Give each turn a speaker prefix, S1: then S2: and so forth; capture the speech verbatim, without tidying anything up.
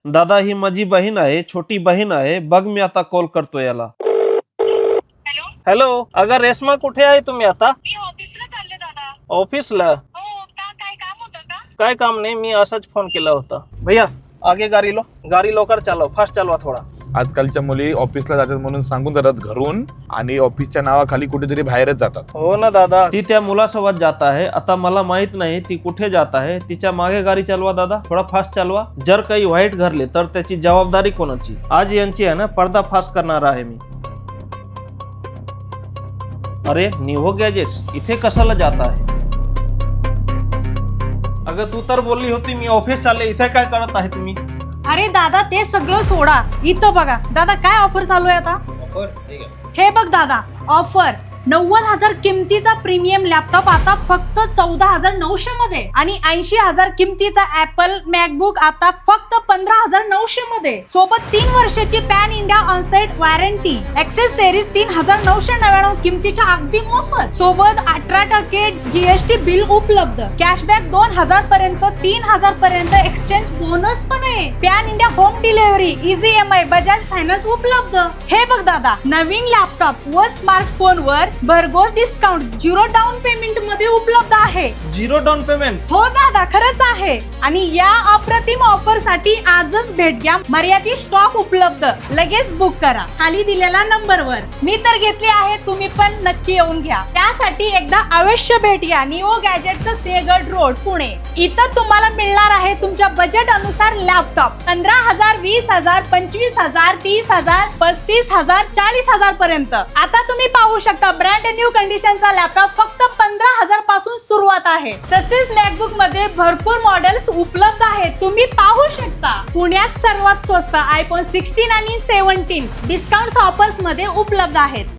S1: दादा ही माझी बहीण आहे, छोटी बहीण आहे. बघ मी आता कॉल करतो याला.
S2: हॅलो
S1: हॅलो, अगं रेश्मा कुठे आहे तुम्ही आता?
S2: मी ऑफिसला चालले दादा.
S1: ऑफिसला?
S2: हो का, काय काम होतं का?
S1: काय काम नाही, मी असाच फोन केला होता. भैया आगे गाडी लो, गाडी लवकर चालव, फास्ट चालवा थोडा.
S3: आजकालच्या मुली ऑफिसला जातात म्हणून सांगून जातात घरून आणि ऑफिसच्या नावाखाली कुठेतरी बाहेरच जातात.
S1: हो ना दादा, ती त्या मुलासोबत जात आहे. आता मला माहित नाही ती कुठे जात आहे. तिच्या मागे गाडी चालवा दादा, थोडा फास्ट चालवा. जर काही वाईट घडले तर त्याची जबाबदारी कोणाची? आज यांची आहे ना पर्दा फास करणार आहे मी. अरे निहो गॅजेट्स इथे कशाला जात आहे? अगं तू तर बोलली होती मी ऑफिस चालले, इथे काय करत आहे तुम्ही?
S4: अरे दादा ते सगळं सोडा, इथं बघा दादा काय ऑफर चालू आहे आता. हे बघ दादा, ऑफर नव्वद हजार किमतीचा प्रीमियम लॅपटॉप आता फक्त चौदा हजार नऊशे मध्ये आणि ऐंशी हजार किमतीचा ऍपल मॅकबुक आता फक्त पंधरा हजार नऊशे मध्ये. सोबत तीन वर्षाची pan India onsite warranty. Access series तीन हजार नऊशे नव्याण्णव किमतीच्या अगदी मोफत. सोबत अठरा टक्के जीएसटी बिल उपलब्ध. कॅशबॅक दोन हजार पर्यंत तीन हजार पर्यंत एक्सचेंज बोनस पण आहे. Pan India home delivery, easy EMI, Bajaj finance उपलब्ध. हे बघ दादा, नवीन लॅपटॉप व स्मार्टफोन वर भरघोस डिस्काउंट झिरो डाऊन पेमेंट मध्ये उपलब्ध आहे.
S1: Zero down payment?
S4: हो दादा, खरंच आहे. आणि या अप्रतिम ऑफर साठी आजच भेट घ्या. मर्यादित स्टॉक उपलब्ध. लगेच बुक करा खाली दिलेल्या नंबरवर. मी तर घेतली आहे, तुम्ही पण नक्की येऊन घ्या. त्यासाठी एकदा अवश्य भेट घ्या. निओ गॅजेटचं सेगड रोड, पुणे. इथं तुम्हाला मिळणार आहे तुमच्या बजेट अनुसार लॅपटॉप. पंधरा हजार, वीस हजार, पंचवीस हजार, तीस हजार, पस्तीस हजार, चाळीस हजार पर्यंत. आता तुम्ही पाहू शकता ब्रँड न्यू कंडिशनचा लॅपटॉप फक्त पंधरा हजार पासून सुरुवात आहे. तसेच मॅकबुक मध्ये भरपूर मॉडेल्स उपलब्ध आहेत, तुम्ही पाहू शकता. पुण्यात सर्वात स्वस्त आयफोन सिक्स्टीन आणि सेव्हन्टीन डिस्काउंट ऑफर्स मध्ये उपलब्ध आहेत.